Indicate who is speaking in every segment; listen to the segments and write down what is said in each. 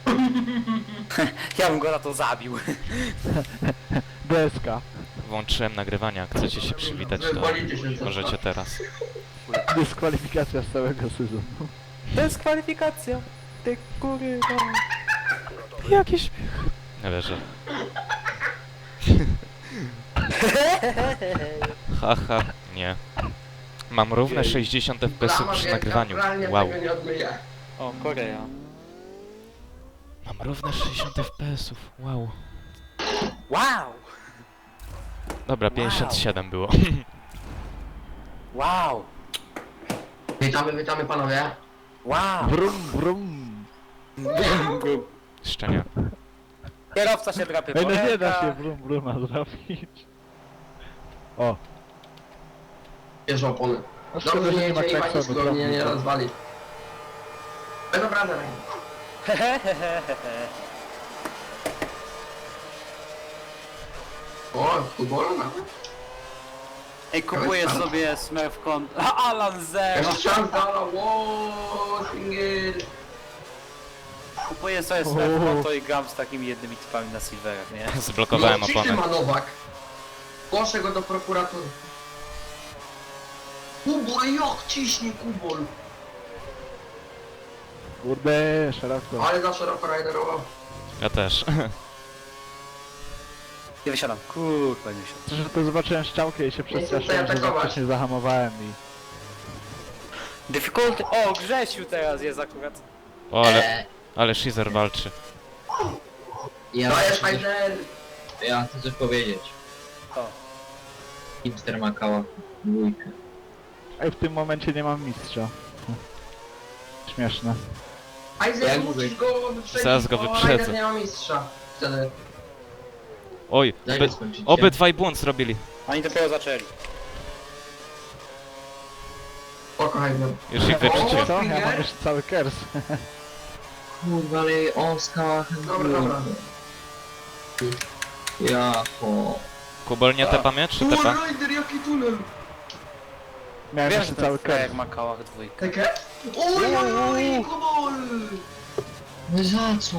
Speaker 1: Ja bym go na to zabił.
Speaker 2: Deska.
Speaker 3: Włączyłem nagrywanie, jak chcecie się przywitać, to
Speaker 4: Wywalicie się co?
Speaker 3: możecie teraz.
Speaker 2: Dyskwalifikacja z całego sezonu.
Speaker 1: Dyskwalifikacja. Ty kury.
Speaker 3: Jaki śmiech. Nie wierzę. Haha, nie. Mam równe 60 fps przy nagrywaniu. Wow.
Speaker 4: Tego nie odmyję.
Speaker 1: O, Korea.
Speaker 3: Mam równe 60 fps. Wow.
Speaker 1: Wow!
Speaker 3: Dobra, 57 było.
Speaker 1: Wow!
Speaker 4: Witamy panowie.
Speaker 1: Wow!
Speaker 2: Brum, brum.
Speaker 3: Jeszcze nie.
Speaker 1: Kierowca się drapie
Speaker 2: Ej,
Speaker 1: po
Speaker 2: no nie da
Speaker 1: rękach.
Speaker 2: się brum, bruma zrobić. O.
Speaker 4: Bierze opony.
Speaker 2: No szkoda,
Speaker 4: Dobrze,
Speaker 2: że
Speaker 4: nie
Speaker 2: nie ma
Speaker 4: jedzie i
Speaker 2: klaksonu,
Speaker 4: Maciej go nie
Speaker 2: trochę.
Speaker 4: rozwali. Dobra, dobra. O, futbolu nawet?
Speaker 1: Ej, kupuję sobie Smurfcon. Alan Zero!
Speaker 4: Jeszcze szans dala, wow, single.
Speaker 1: Kupuję sobie Smurfcon to i gram z takimi jednymi typami na silverach, nie?
Speaker 3: Zblokowałem
Speaker 4: No, ciśnij
Speaker 3: oponę.
Speaker 4: ma Nowak. Głoszę go do prokuratury. Kubol, jak ciśnie Kubol.
Speaker 2: Kurde, szeroko.
Speaker 4: Ale za szeroko rajderował.
Speaker 3: Ja też.
Speaker 1: Nie wysiadam. Kurwa, nie wysiadam.
Speaker 2: Że to zobaczyłem szczałkę i się przestraszyłem, że za
Speaker 4: atakować.
Speaker 2: wcześnie zahamowałem i...
Speaker 1: Difficulty. O, Grzesiu teraz jest akurat.
Speaker 3: O, ale Shizer walczy.
Speaker 5: Ja,
Speaker 4: To jest rajder.
Speaker 5: ja chcę coś powiedzieć.
Speaker 1: O.
Speaker 5: Hipster Makała. Dwójkę.
Speaker 2: Ej, w tym momencie nie mam mistrza. Śmieszne.
Speaker 4: Ajzer,
Speaker 5: Jak
Speaker 4: musisz go wyprzedzić,
Speaker 3: Zaraz go
Speaker 4: bo
Speaker 3: wyprzedzę.
Speaker 4: Rajder nie ma mistrza. Wtedy.
Speaker 3: Oj,
Speaker 5: Daj mi skończyć.
Speaker 3: obydwaj błąd zrobili.
Speaker 1: Oni dopiero zaczęli.
Speaker 4: Spoko, Rajder.
Speaker 3: Już ich
Speaker 2: Wiecie
Speaker 3: wyprzedziłem.
Speaker 2: co? Ja mam już cały kers.
Speaker 5: Kurwa, ale on skała.
Speaker 4: Dobra.
Speaker 5: Jako.
Speaker 3: Kubol nie tepa mnie, czy tepa?
Speaker 4: Rajder, jaki tunel.
Speaker 2: Miałem
Speaker 1: Wiesz,
Speaker 2: jeszcze
Speaker 1: że
Speaker 2: cały
Speaker 1: ten
Speaker 2: kers.
Speaker 1: jak ma kałach dwójkę.
Speaker 4: Takie? Oj, Kubol.
Speaker 5: No za co?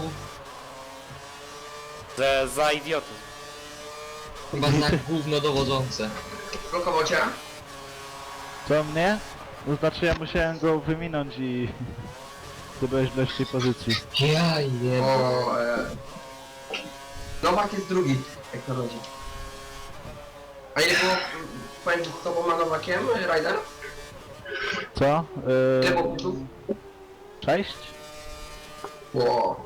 Speaker 1: Za idiotyzm.
Speaker 5: Chyba znak gówno dowodzące.
Speaker 4: Blokował cię?
Speaker 2: Co mnie? To znaczy ja musiałem go wyminąć i... Ty byłeś w lepszej pozycji.
Speaker 5: Ja jem.
Speaker 4: O, Nowak jest drugi, jak to chodzi. A ile było pomiędzy tobą a Nowakiem, Rajder?
Speaker 2: Co?
Speaker 4: Ile było punktów?
Speaker 2: 6?
Speaker 4: Wow.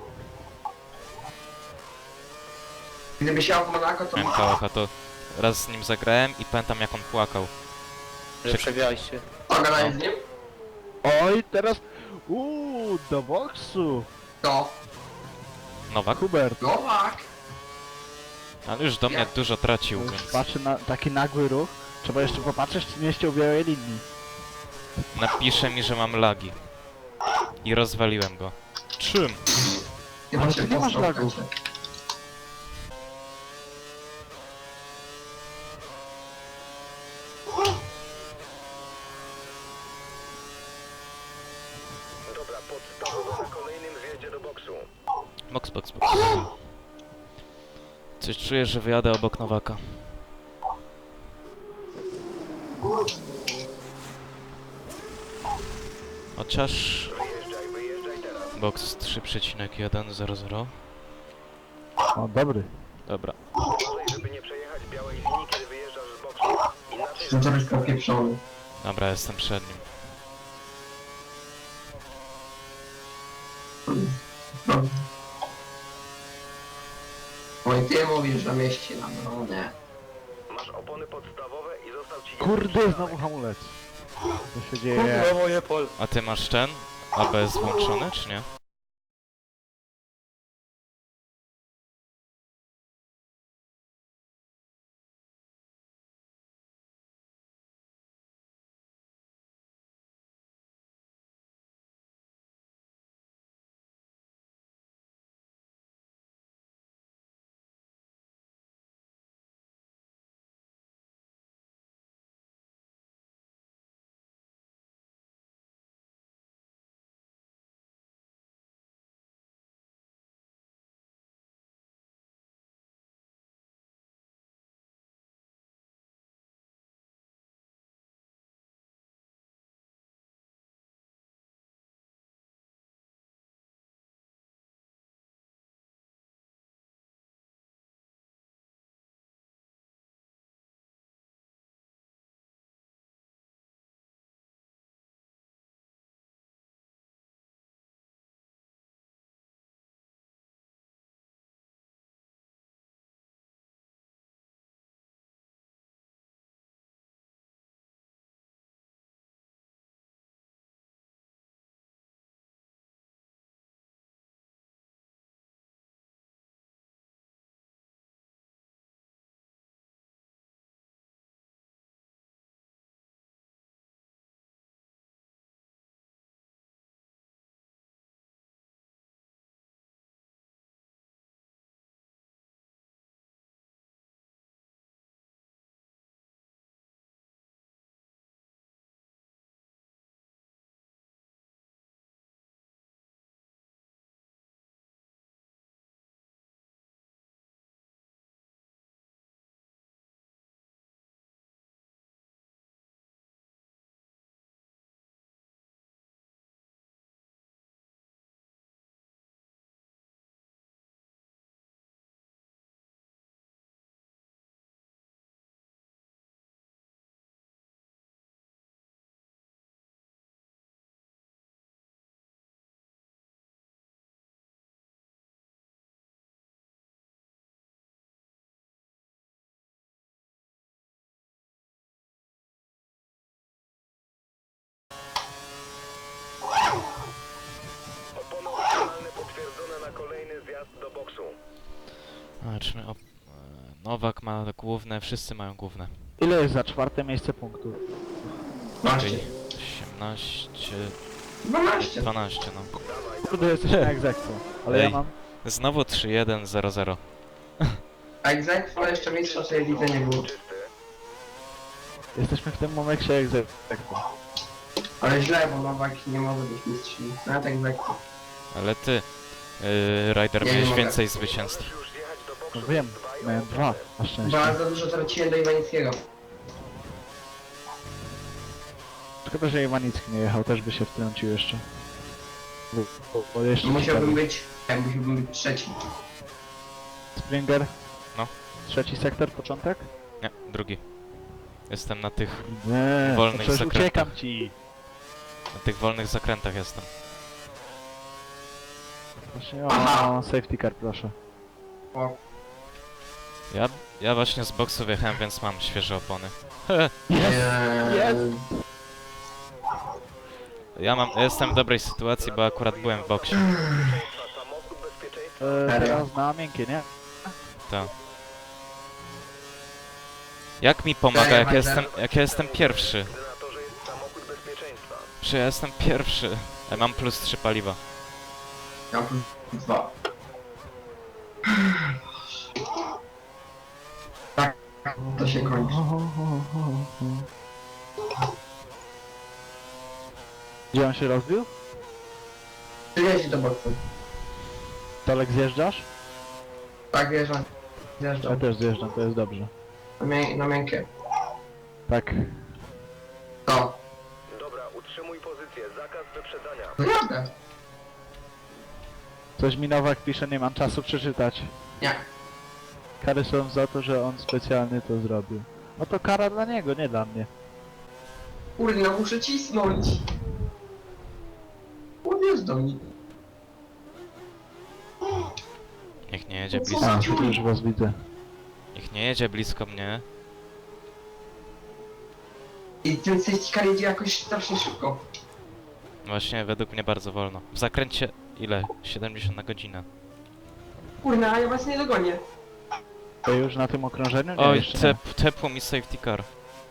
Speaker 4: Gdyby siał w Monako, to...
Speaker 3: Miałem kałacha, to raz z nim zagrałem i pamiętam jak on płakał.
Speaker 1: Że przegraliście.
Speaker 4: Pogadaj z nim?
Speaker 2: Oj, teraz... do boksu!
Speaker 4: To.
Speaker 3: Nowak?
Speaker 2: Hubert.
Speaker 4: Nowak!
Speaker 3: Ale już do mnie dużo tracił, więc
Speaker 2: Patrzę na taki nagły ruch. Trzeba jeszcze popatrzeć, czy nie ściął białej linii.
Speaker 3: napisze mi, że mam lagi. I rozwaliłem go. Czym?
Speaker 4: Chyba
Speaker 2: Ale
Speaker 4: się
Speaker 2: tu nie masz
Speaker 4: postał,
Speaker 2: lagów.
Speaker 4: Kacie.
Speaker 3: Box. Coś czuję, że wyjadę obok Nowaka. Chociaż... Box 3,100.
Speaker 2: O, dobry.
Speaker 3: Dobra.
Speaker 4: No to byś popieprzony.
Speaker 3: Dobra, jestem przed nim.
Speaker 4: No. Oj, ty mówisz, że mieści nam, no nie.
Speaker 2: Kurde, znowu hamulec. Co się dzieje?
Speaker 1: moje pol.
Speaker 3: A ty masz ten? ABS włączony, czy nie? Zobaczmy, Nowak ma główne, wszyscy mają główne.
Speaker 2: Ile jest za czwarte miejsce punktów?
Speaker 4: 12.
Speaker 3: Czyli 18,
Speaker 4: 12.
Speaker 3: 12 no.
Speaker 2: Kurde, jesteśmy na egzekwo. Ale ja
Speaker 3: Ej.
Speaker 2: mam...
Speaker 3: Znowu 3-1-0-0.
Speaker 4: A egzekwo jeszcze mistrza tej lidze nie było.
Speaker 2: Jesteśmy w tym momencie egzekwo.
Speaker 4: Ale źle, bo Nowak nie może być mistrzem. Nawet egzekwo.
Speaker 3: Ale ty, Ryder,
Speaker 4: Ja nie
Speaker 3: miałeś
Speaker 4: mogę.
Speaker 3: więcej zwycięstw.
Speaker 2: No wiem, miałem 2 na szczęście.
Speaker 4: Bardzo dużo traciłem do Iwanickiego.
Speaker 2: Szkoda, że Iwanicki nie jechał, też by się wtrącił jeszcze. Bo jeszcze
Speaker 4: Musiałbym być trzeci.
Speaker 2: Springer?
Speaker 3: No.
Speaker 2: Trzeci sektor, początek?
Speaker 3: Nie, drugi. Jestem na tych
Speaker 2: Nie, to
Speaker 3: Wolnych
Speaker 2: przecież
Speaker 3: zakrętach.
Speaker 2: uciekam ci.
Speaker 3: wolnych zakrętach jestem.
Speaker 2: Właśnie,
Speaker 4: Aha.
Speaker 2: o, safety car, proszę.
Speaker 4: O,
Speaker 3: Ja właśnie z boksu wjechałem, więc mam świeże opony.
Speaker 2: Jest!
Speaker 3: Ja jestem w dobrej sytuacji, bo akurat byłem w boksie.
Speaker 2: Teraz na miękkie, nie?
Speaker 3: To. Jak mi pomaga, jak ja jestem pierwszy? Czy ja jestem pierwszy? Ja mam plus 3 paliwa.
Speaker 4: ja mam plus 2. Tak, to się kończy.
Speaker 2: Gdzie on się rozbił?
Speaker 4: Przyjeździ do boksu.
Speaker 2: Tolek zjeżdżasz?
Speaker 4: Tak, wjeżdżam.
Speaker 2: Ja
Speaker 4: Zjeżdżam.
Speaker 2: też zjeżdżam, to jest dobrze.
Speaker 4: Na miękkie.
Speaker 2: Tak.
Speaker 4: To.
Speaker 6: Dobra, utrzymuj pozycję. Zakaz wyprzedzania.
Speaker 4: Naprawdę?
Speaker 2: Coś mi Nowak pisze, nie mam czasu przeczytać.
Speaker 4: Nie.
Speaker 2: Kary są za to, że on specjalnie to zrobił. No to kara dla niego, nie dla mnie.
Speaker 4: Kurde, no muszę cisnąć. Odjeżdżam mi.
Speaker 3: Niech nie jedzie
Speaker 4: Co
Speaker 3: blisko.
Speaker 4: za
Speaker 2: A, tu już was widzę.
Speaker 3: Niech nie jedzie blisko mnie.
Speaker 4: I ten safety car jedzie jakoś strasznie szybko.
Speaker 3: Właśnie według mnie bardzo wolno. W zakręcie ile? 70 na godzinę.
Speaker 4: Kurde, a ja was nie dogonię.
Speaker 2: To już na tym okrążeniu? Nie,
Speaker 3: Oj,
Speaker 2: jeszcze nie.
Speaker 3: tepło mi safety car.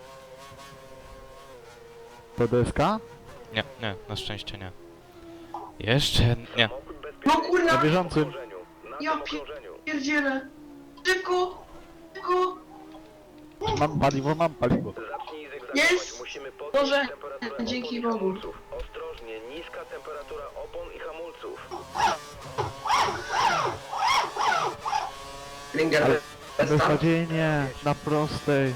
Speaker 2: To DSK?
Speaker 3: Nie, na szczęście nie. Jeszcze nie.
Speaker 4: No
Speaker 2: Na
Speaker 4: kurna,
Speaker 2: bieżącym.
Speaker 4: ja pierdzielę. Szybko, szybko.
Speaker 2: Mam paliwo, mam paliwo.
Speaker 6: Zacznij zygzakować.
Speaker 4: Jest!
Speaker 6: Musimy podnieść
Speaker 4: Boże,
Speaker 6: temperaturę
Speaker 4: dzięki
Speaker 6: opon i
Speaker 4: Bogu.
Speaker 6: hamulców. Ostrożnie, niska temperatura opon i hamulców.
Speaker 4: Ringer,
Speaker 2: Ale
Speaker 4: start.
Speaker 2: Beznadziejnie, na prostej.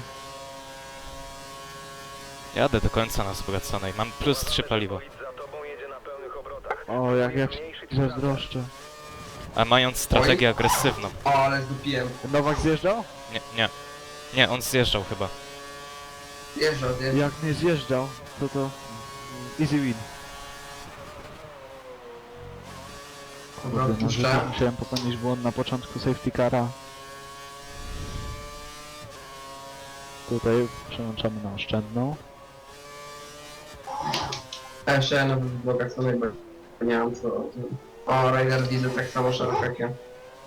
Speaker 3: Jadę do końca na wzbogaconej. Mam plus 3 paliwo.
Speaker 6: Za tobą jedzie na pełnych obrotach.
Speaker 2: O, jak ja się zazdroszczę.
Speaker 3: A mając strategię agresywną.
Speaker 4: O, ale zdupiłem.
Speaker 2: Nowak zjeżdżał?
Speaker 3: Nie. Nie, on zjeżdżał chyba.
Speaker 4: Zjeżdżał.
Speaker 2: Jak nie zjeżdżał, to easy win.
Speaker 4: Dobra,
Speaker 2: Kurde, no, że
Speaker 4: odpuszczę.
Speaker 2: musiałem popełnić błąd na początku safety cara. Tutaj przełączamy na oszczędną.
Speaker 4: A jeszcze ja na wzbogaconej, bo nie mam co... O, Rider widzę tak samo szeroko jak ja.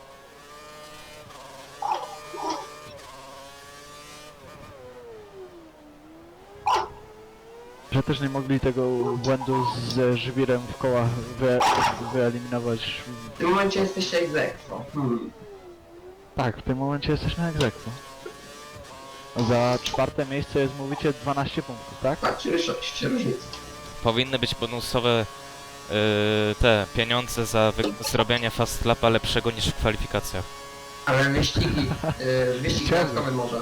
Speaker 2: Że też nie mogli tego błędu ze żwirem w kołach wyeliminować.
Speaker 4: W tym momencie jesteście egzekwo.
Speaker 2: Tak, w tym momencie jesteśmy jak egzekwo. Za czwarte miejsce jest, mówicie, 12 punktów, tak?
Speaker 4: Tak, czyli 6 różnic.
Speaker 3: Powinny być bonusowe te pieniądze za zrobienie fast lapa lepszego niż w kwalifikacjach.
Speaker 4: Ale wyścigi, wyścig
Speaker 2: Chciałbym.
Speaker 4: dodatkowy może.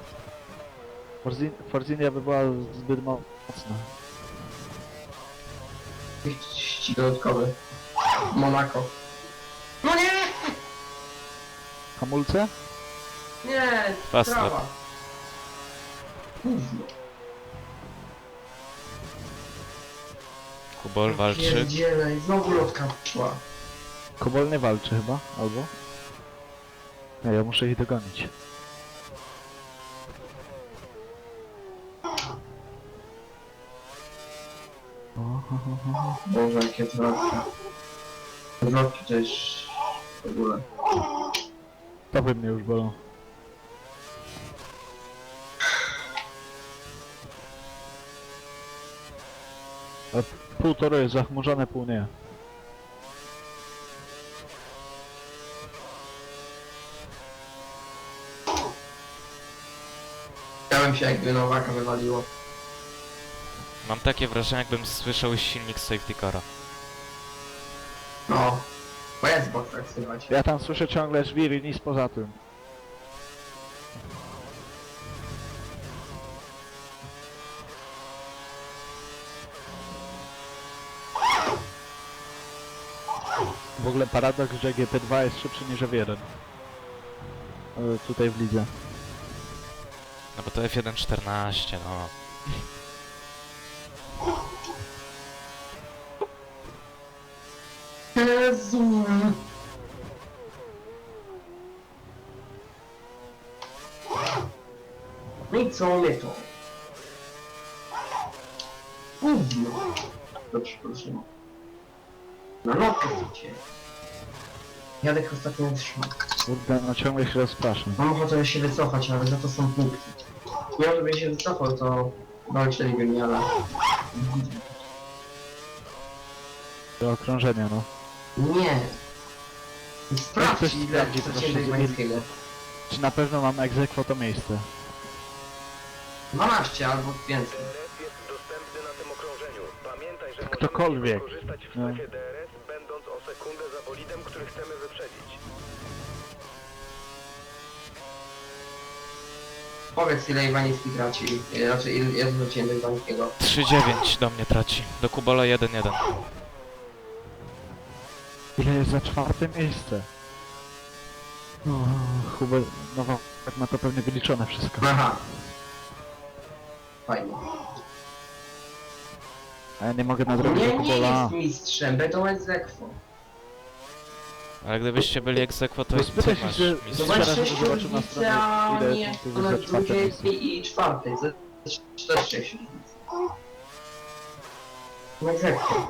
Speaker 2: Forzinia by była zbyt mocna.
Speaker 4: Wyścig dodatkowy. Monako. No nie!
Speaker 2: Hamulce?
Speaker 4: Nie!
Speaker 3: Fast
Speaker 4: trawa.
Speaker 3: lap.
Speaker 4: Gówno.
Speaker 3: Kubol walczy.
Speaker 4: Pierdzielej, znowu lotka szła.
Speaker 2: Kobol nie walczy chyba, albo? Nie, ja muszę ich dogonić.
Speaker 4: Boże, jakie zwrotki. Zwrotki to jest... w ogóle.
Speaker 2: Stopy mnie już bolą. A pół toru jest zachmurzone, pół nie.
Speaker 4: Chciałem się jakby Nowaka wywaliło.
Speaker 3: Mam takie wrażenie, jakbym słyszał silnik safety cara.
Speaker 4: No. Bo jest bok tak słychać.
Speaker 2: Ja tam słyszę ciągle żwir i nic poza tym. W ogóle paradoks, że GP2 jest szybszy niż F1. Tutaj w lidze.
Speaker 3: No bo to F1.14, no.
Speaker 4: Jezu. No i co my to? Gówno. Dobrze, proszę. No no, proszę. Jadek ostatnio wytrzymał.
Speaker 2: Kurde, no ciągle się rozpraszam.
Speaker 4: Mam ochotę się wycofać, ale za to są punkty. Ja żebym się wycofał, to walczyliby mnie, ale...
Speaker 2: Do okrążenia, no.
Speaker 4: Nie.
Speaker 2: Ktoś
Speaker 4: Sprawdź ile
Speaker 2: sprawdzi, proszę,
Speaker 4: przeciętnej pańskiego.
Speaker 2: Czy na pewno mam egzekwo to miejsce?
Speaker 4: 12 albo więcej.
Speaker 6: DRS jest dostępny na tym okrążeniu. Pamiętaj, że
Speaker 2: Ktokolwiek.
Speaker 6: możemy skorzystać w
Speaker 2: No.
Speaker 6: strefie DRS, będąc o sekundę za bolidem, który chcemy wyprzedzić.
Speaker 4: Powiedz ile Iwanicki traci. Znaczy ile ja zwróciłem do Iwanickiego.
Speaker 3: 3,9 do mnie traci. Do Kubola 1,1.
Speaker 2: Ile jest za czwarte miejsce? No, Hubert, no tak ma to pewnie wyliczone wszystko.
Speaker 4: Aha. Fajnie.
Speaker 2: A ja nie mogę nadrobić do
Speaker 4: Nie, nie
Speaker 2: Kubola.
Speaker 4: jest mistrzem, będą egzekwo.
Speaker 3: Ale gdybyście byli egzekwo, to
Speaker 2: No
Speaker 3: i ty
Speaker 2: spytaj się,
Speaker 3: masz
Speaker 2: że-
Speaker 3: mistrz.
Speaker 4: Zobacz
Speaker 2: Teraz
Speaker 4: 6
Speaker 2: zobaczę na
Speaker 4: różnicy, a
Speaker 2: stronie, ile
Speaker 4: nie
Speaker 2: punktów
Speaker 4: na
Speaker 2: jest za czwarte
Speaker 4: drugiej
Speaker 2: miejsce.
Speaker 4: i czwartej. To jest 6 różnic. No egzekwo.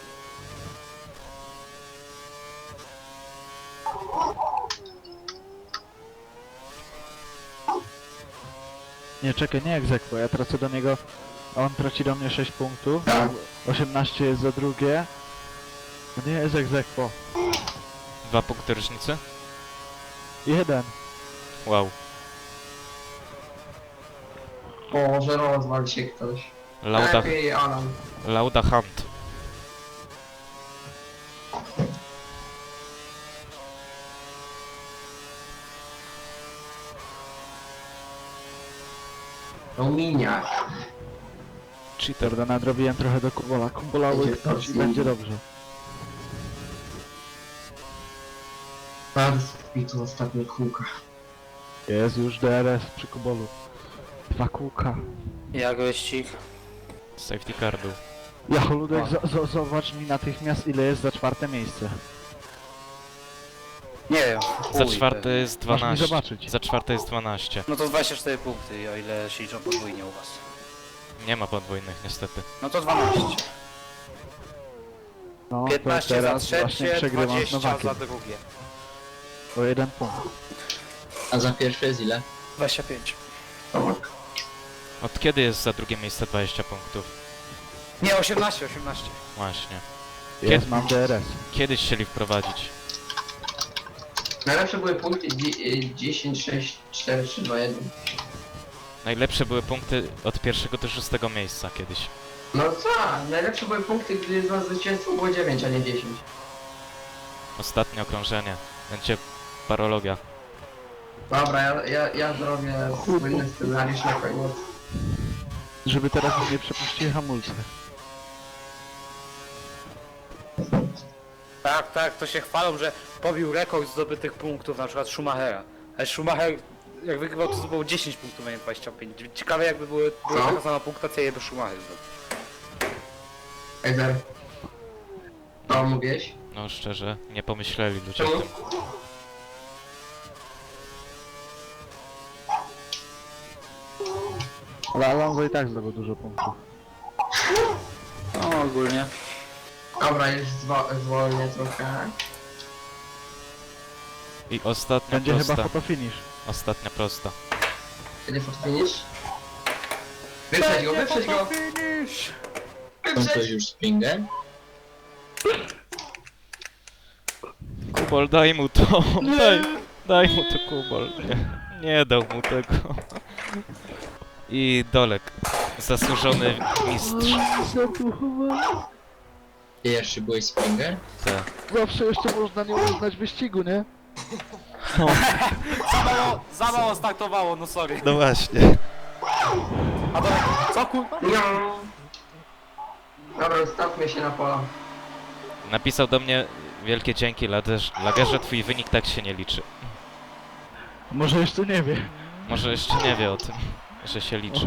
Speaker 2: Nie, czekaj, nie egzekwo, ja tracę do niego, a on traci do mnie 6 punktów.
Speaker 4: Tak.
Speaker 2: 18 jest za drugie. To nie jest egzekwo.
Speaker 3: 2 punkty różnicy?
Speaker 2: 1.
Speaker 3: Wow.
Speaker 4: O, że rozwal się ktoś.
Speaker 3: Lauda,
Speaker 4: Lepiej Alan.
Speaker 3: Lauda Hunt.
Speaker 4: To miniak.
Speaker 3: Cheater.
Speaker 2: Dobra, nadrobiłem trochę do Kubola. Kubola
Speaker 4: Będzie
Speaker 2: łyknąć i
Speaker 4: to
Speaker 2: będzie
Speaker 4: znowu.
Speaker 2: dobrze.
Speaker 4: Bardzo mi tu ostatnie kółka.
Speaker 2: Jest już DRS przy Kubolu. 2 kółka.
Speaker 1: Jak wyścig?
Speaker 3: Safety car był.
Speaker 2: Jacholudek, zobacz mi natychmiast ile jest za czwarte miejsce.
Speaker 1: Nie wiem.
Speaker 3: Za
Speaker 1: chuj,
Speaker 3: czwarte
Speaker 1: pewnie.
Speaker 3: jest
Speaker 2: Masz mi
Speaker 3: 12.
Speaker 2: zobaczyć.
Speaker 3: Za czwarte jest 12.
Speaker 1: No to 24 punkty, o ile się liczą podwójnie u was.
Speaker 3: Nie ma podwójnych niestety.
Speaker 1: No to 12.
Speaker 2: No,
Speaker 1: 15
Speaker 2: to
Speaker 1: za
Speaker 2: teraz właśnie
Speaker 1: trzecie,
Speaker 2: przegrywam z
Speaker 1: 20
Speaker 2: Nowakiem.
Speaker 1: za drugie.
Speaker 2: O 1 punkt.
Speaker 5: A za pierwsze jest ile?
Speaker 1: 25.
Speaker 4: Tak.
Speaker 3: Od kiedy jest za drugie miejsce 20 punktów?
Speaker 1: Nie, 18.
Speaker 3: Właśnie.
Speaker 2: Jest, mam DRS.
Speaker 3: Kiedyś chcieli wprowadzić.
Speaker 4: Najlepsze były punkty 10, 6, 4, 3, 2, 1.
Speaker 3: Najlepsze były punkty od pierwszego do 6 miejsca kiedyś.
Speaker 4: No co? Najlepsze były punkty, gdy za zwycięstwo było 9, a nie 10.
Speaker 3: Ostatnie okrążenie. Będzie parologia.
Speaker 4: Dobra, ja zrobię słynny scenariusz na koniec.
Speaker 2: Żeby teraz nie przepuścili hamulce.
Speaker 1: Tak, to się chwalą, że pobił rekord zdobytych punktów, na przykład Schumachera. Ale Schumacher, jak wygrywał, to zdobył 10 punktów, a nie 25. Ciekawe jakby była
Speaker 4: Co?
Speaker 1: taka sama punktacja, jakby Schumacher zdobył.
Speaker 4: Ejzer. Co mówiłeś?
Speaker 3: No szczerze, nie pomyśleli ludzie o
Speaker 4: Czemu?
Speaker 3: tym.
Speaker 2: Ale Alonso i tak zdobył dużo punktów.
Speaker 1: No ogólnie.
Speaker 4: Dobra, już zwolnię trochę.
Speaker 3: I ostatnia
Speaker 2: Będzie chyba
Speaker 3: prosta.
Speaker 2: fotofinish.
Speaker 3: Ostatnia prosta.
Speaker 4: Kiedy fort finish? Wyprzedź go, wyprzedź go!
Speaker 5: Są to
Speaker 4: Wyprzedź!
Speaker 5: już Springer?
Speaker 3: Kubol, daj mu to! Daj mu to, Kubol. Nie dał mu tego. I Dolek. Zasłużony mistrz.
Speaker 5: Ty jeszcze byłeś Springer?
Speaker 3: Te.
Speaker 2: Zawsze jeszcze można nie uznać wyścigu, nie?
Speaker 1: Za mało startowało, no sorry.
Speaker 3: No właśnie.
Speaker 1: A to co kurwa?
Speaker 4: No. Dobra, ustawmy się na pola.
Speaker 3: Napisał do mnie wielkie dzięki, Lagerze, twój wynik tak się nie liczy.
Speaker 2: Może jeszcze nie wie.
Speaker 3: Może jeszcze nie wie o tym, że się liczy.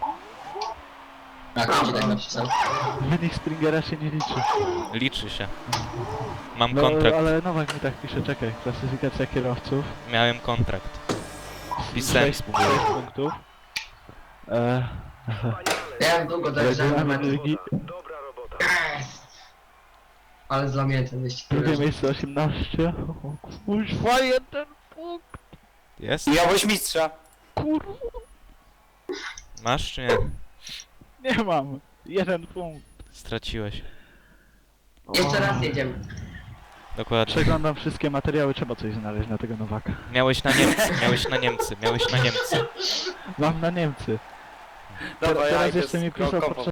Speaker 5: A kto ci tak napisał?
Speaker 2: Wynik Springera się nie liczy.
Speaker 3: Liczy się. Mam
Speaker 2: No,
Speaker 3: kontrakt.
Speaker 2: ale Nowak mi tak pisze, czekaj. Klasyfikacja kierowców.
Speaker 3: Miałem kontrakt. Pisałem
Speaker 2: 6 punktów.
Speaker 4: Ja długo dojeżdżałem do
Speaker 2: Regulamin
Speaker 4: mety.
Speaker 2: ligi.
Speaker 6: Dobra robota.
Speaker 4: Ale dla mnie ten wyścig.
Speaker 2: Drugie miejsce 18. O kurwa, jeden punkt.
Speaker 3: Jest?
Speaker 1: Miałeś mistrza.
Speaker 2: Kurwa.
Speaker 3: Masz czy nie?
Speaker 2: Nie mam. Jeden punkt.
Speaker 3: Straciłeś.
Speaker 4: Jeszcze raz jedziemy.
Speaker 3: Dokładnie.
Speaker 2: Przeglądam wszystkie materiały, trzeba coś znaleźć na tego Nowaka.
Speaker 3: Miałeś na Niemcy, miałeś na Niemcy, miałeś na Niemcy.
Speaker 2: Mam na Niemcy.
Speaker 1: Dobra,
Speaker 2: Teraz
Speaker 1: idę
Speaker 2: jeszcze mi
Speaker 1: z
Speaker 2: pisał
Speaker 1: Krokową.
Speaker 2: podczas